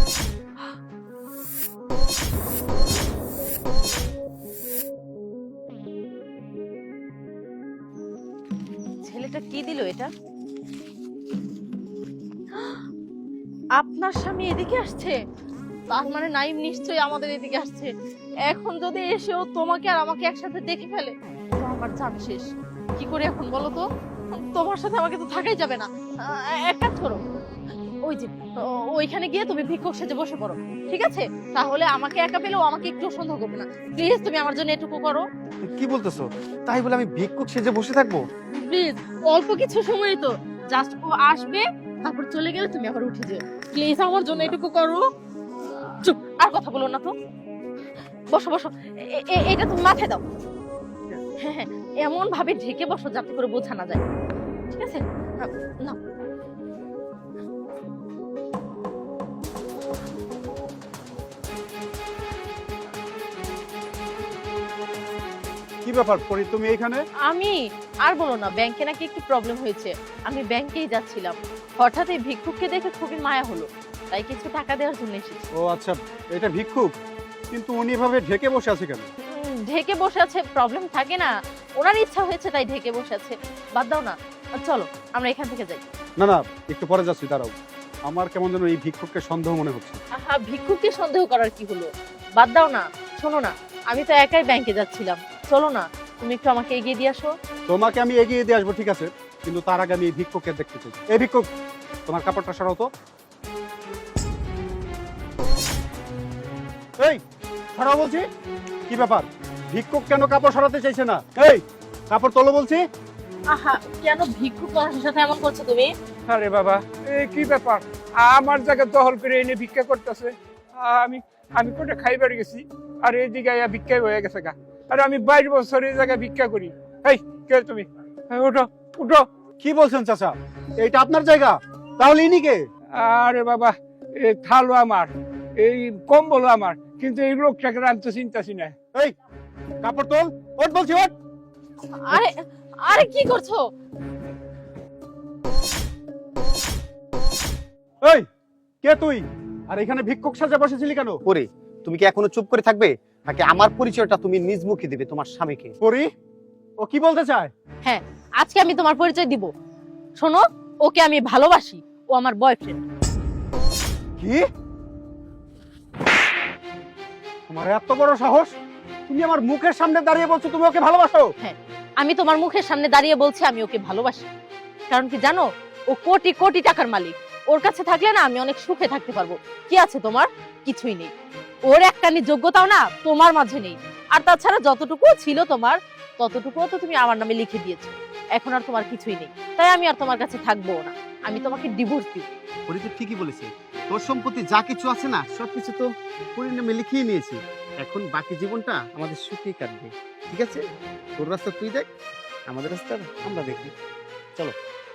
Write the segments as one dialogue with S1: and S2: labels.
S1: ছেলেটা কি দিল এটা? আপনার স্বামী এদিকে আসছে, তার মানে নাইম নিশ্চয়ই আমাদের এদিকে আসছে। এখন যদি এসেও তোমাকে আর আমাকে একসাথে দেখে ফেলে, তো আমার জান শেষ। কি করে এখন বলো তো? তোমার সাথে আমাকে তো থাকাই যাবে না। এক কাজ করো, ওই যে ওইখানে গিয়ে তুমি ভিক্ষুক সেজে বসে পড়ো, ঠিক আছে? তাহলে আমাকে একা পেলেও আমাকে একটু সন্দেহ করবে না। প্লিজ তুমি আমার জন্য এটুকু করো।
S2: কি বলতেছো? তাই বলে আমি ভিক্ষুক সেজে বসে থাকবো?
S1: প্লিজ, অল্প কিছু সময় তো, জাস্ট ও আসবে, তারপর চলে গেলে তুমি আবার উঠে যেও। প্লিজ আমার জন্য এটুকু করো। চুপ, আর কথা বলো না তো। বসো বসো, এটা তুমি মাথায় দাও। হ্যাঁ হ্যাঁ, এমন ভাবে ঢেকে বসো যাতে করে বোঝা না যায়, ঠিক আছে? না,
S3: কি ব্যাপার পরি, তুমি এইখানে?
S1: আমি আর বলো না, ব্যাংকে নাকি একটু প্রবলেম হয়েছে। আমি ব্যাংকেই যাচ্ছিলাম, হঠাৎ এই ভিক্ষুককে দেখে খুবই মায়া হলো, তাই কিছু টাকা দেওয়ার জন্য এসেছি।
S3: ও আচ্ছা, এটা ভিক্ষুক, কিন্তু উনি এভাবে ঢেকে বসে আছে কেন?
S1: ঢেকে বসে আছে, প্রবলেম থাকে না, ওনার ইচ্ছা হয়েছে তাই ঢেকে বসে আছে। বাদ দাও না, চলো আমরা এখান থেকে যাই।
S3: না না, একটু পরে যাচ্ছি, দাঁড়াও। আমার কেমন যেন এই ভিক্ষুককে সন্দেহ মনে হচ্ছে।
S1: আহা, ভিক্ষুককে সন্দেহ করার কি হলো? বাদ দাও না, শোনো না, আমি তো একাই ব্যাংকে যাচ্ছিলাম, চলো না তুমি একটু আমাকে এগিয়ে দিয়ে আসো।
S3: তোমাকে আমি এগিয়ে দিয়ে আসবো, ঠিক আছে, কিন্তু তার আগে আমি এই ভিক্ষুককে দেখতে চাই। এই ভিক্ষুক, তোমার কাপড়টা সরাও তো। এই সরাও বলছি। কি ব্যাপার, ভিক্ষুক কেন কাপড় সরাতে চাইছে না? এই কাপড় তোলো বলছি।
S1: আহা, কেন ভিক্ষুক মানুষের সাথে এমন করছো তুমি?
S4: আরে বাবা, এই কি ব্যাপার? আমার জায়গা দখল করে এনে ভিক্ষা করতেছে। আমি আমি কোটে খাইবার গেছি, আর এই জায়গায় ভিক্ষাই হয়ে গেছে গা। আর আমি 22 বছর এই জায়গায় ভিক্ষা করি। এই কে তুমি? উঠো উঠো।
S3: কি বলছেন চাচা, এইটা আপনার জায়গা? তাহলে ইনি কে?
S4: আরে বাবা, এই থালও আমার, এই কম্বলও আমার, কিন্তু এই লোকটাকে আমি তো চিন্তাছি না।
S3: এই কাপড় তোল, ওঠ বলছি, ওঠ।
S1: আরে আরে কি করছো?
S3: এই কে তুই? আর এখানে ভিক্ষুক সাজা বসেছিলি কেন?
S2: পরি, তুমি কি এখনো চুপ করে থাকবে, নাকি আমার পরিচয়টা তুমি নিজ মুখে দিবে তোমার স্বামীকে?
S3: পরি, ও কি বলতে চায়?
S1: হ্যাঁ, আজকে আমি তোমার পরিচয় দিব। শোনো, ওকে আমি ভালোবাসি, ও আমার বয়ফ্রেন্ড।
S3: কি? তোমার এত বড় সাহস, তুমি আমার মুখের সামনে দাঁড়িয়ে বলছো তুমি ওকে ভালোবাসো?
S1: হ্যাঁ, আমি তোমার মুখের সামনে দাঁড়িয়ে বলছি আমি ওকে ভালোবাসি। কারণ কি জানো, ও কোটি কোটি টাকার মালিক। ওর কাছে থাকলে না আমি অনেক সুখে থাকতে পারবো। কি আছে তোমার? কিছুই নেই। ওর একটানি যোগ্যতাও না তোমার মাঝে নেই। আর তাছাড়া যতটুকু ছিল তোমার, ততটুকুও তো তুমি আমার নামে লিখে দিয়েছো। এখন আর তোমার কিছুই নেই, তাই আমি আর তোমার কাছে থাকবো না। আমি তোমাকে ডিভোর্স দিব।
S2: পরি তো ঠিকই বলেছে, তোর সম্পত্তি যা কিছু আছে না সবকিছু তো পরির নামে লিখিয়ে নিয়েছি। এখন বাকি জীবনটা আমাদের সুখেই কাটবে, ঠিক আছে? তোর রাস্তা তুই দেখ, আমাদের রাস্তা আমরা দেখি। চলো।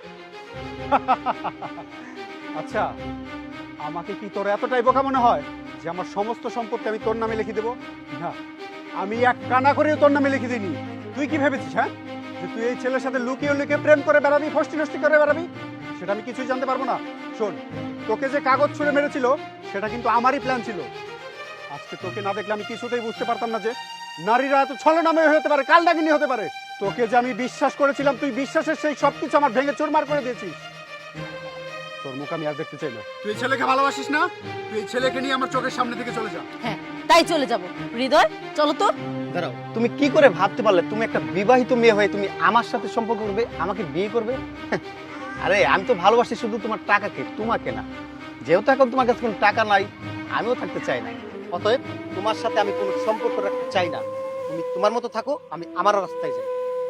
S3: আচ্ছা, আমাকে কি তোর এতটাই বোকা মনে হয় যে আমার সমস্ত সম্পত্তি আমি তোর নামে লিখে দেবো? না, আমি এক কানা করেও তোর নামে লিখে দিইনি। তুই কি ভেবেছিস, হ্যাঁ, যে তুই এই ছেলের সাথে লুকিয়ে লুকিয়ে প্রেম করে বেড়াবি, ফষ্টি নষ্টি করে বেড়াবি? সেটা আমি কিছুই জানতে পারবো না। শোন, তোকে যে কাগজ ছুঁড়ে মেরেছিল সেটা কিন্তু আমারই প্ল্যান ছিল। আজকে তোকে না দেখলে আমি কিছুতেই বুঝতে পারতাম না যে নারীরা এত ছলনাময় হতে পারে, কালনাগিনী হতে পারে। তোকে যে আমি বিশ্বাস করেছিলাম, তুই বিশ্বাসের সেই সবকিছু আমার ভেঙে চুরমার করে দিয়েছিস। তোর মুখ আমি আর দেখতে চাই না। তুই এই ছেলেকে ভালোবাসিস না? তুই এই ছেলেকে নিয়ে আমার চোখের সামনে থেকে চলে যা।
S1: হ্যাঁ, তাই চলে যাব। হৃদয়, চলো তো।
S2: দাঁড়াও, তুমি কি করে ভাবতে পারলে তুমি একটা বিবাহিত মেয়ে হয়ে তুমি আমার সাথে সম্পর্ক করবে, আমাকে বিয়ে করবে? আরে আমি তো ভালোবাসি শুধু তোমার টাকাকে, তোমাকে না। যেহেতু এখন তোমার কাছে কোনো টাকা নাই, আমিও থাকতে চাই না। অতএব তোমার সাথে আমি কোনো সম্পর্ক রাখতে চাই না। তুমি তোমার মতো থাকো, আমি আমার রাস্তায় যাই।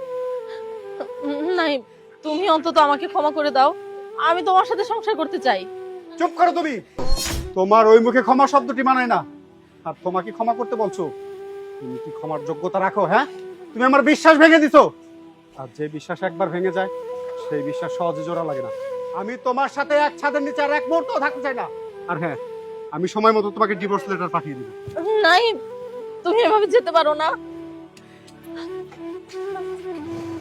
S1: নাই, তুমি অন্তত আমাকে ক্ষমা করে দাও। আমি তোমার সাথে সংসার করতে চাই।
S3: চুপ করো তুমি। তোমার ওই মুখে ক্ষমা শব্দটি মানায় না। আর তোমাকে ক্ষমা করতে বলছো? তুমি কি ক্ষমার যোগ্যতা রাখো? হ্যাঁ, তুমি আমার বিশ্বাস ভেঙে দিছো। আর যে বিশ্বাস একবার ভেঙে যায়, সেই বিশ্বাস সহজে জোড়া লাগে না। আমি তোমার সাথে এক ছাদের নিচে আর এক মুহূর্ত থাকতে চাই না। আর হ্যাঁ, আমি সময় মতো তোমাকে ডিভোর্স লেটার পাঠিয়ে দিব।
S1: নাই, তুমি এভাবে যেতে পারো না।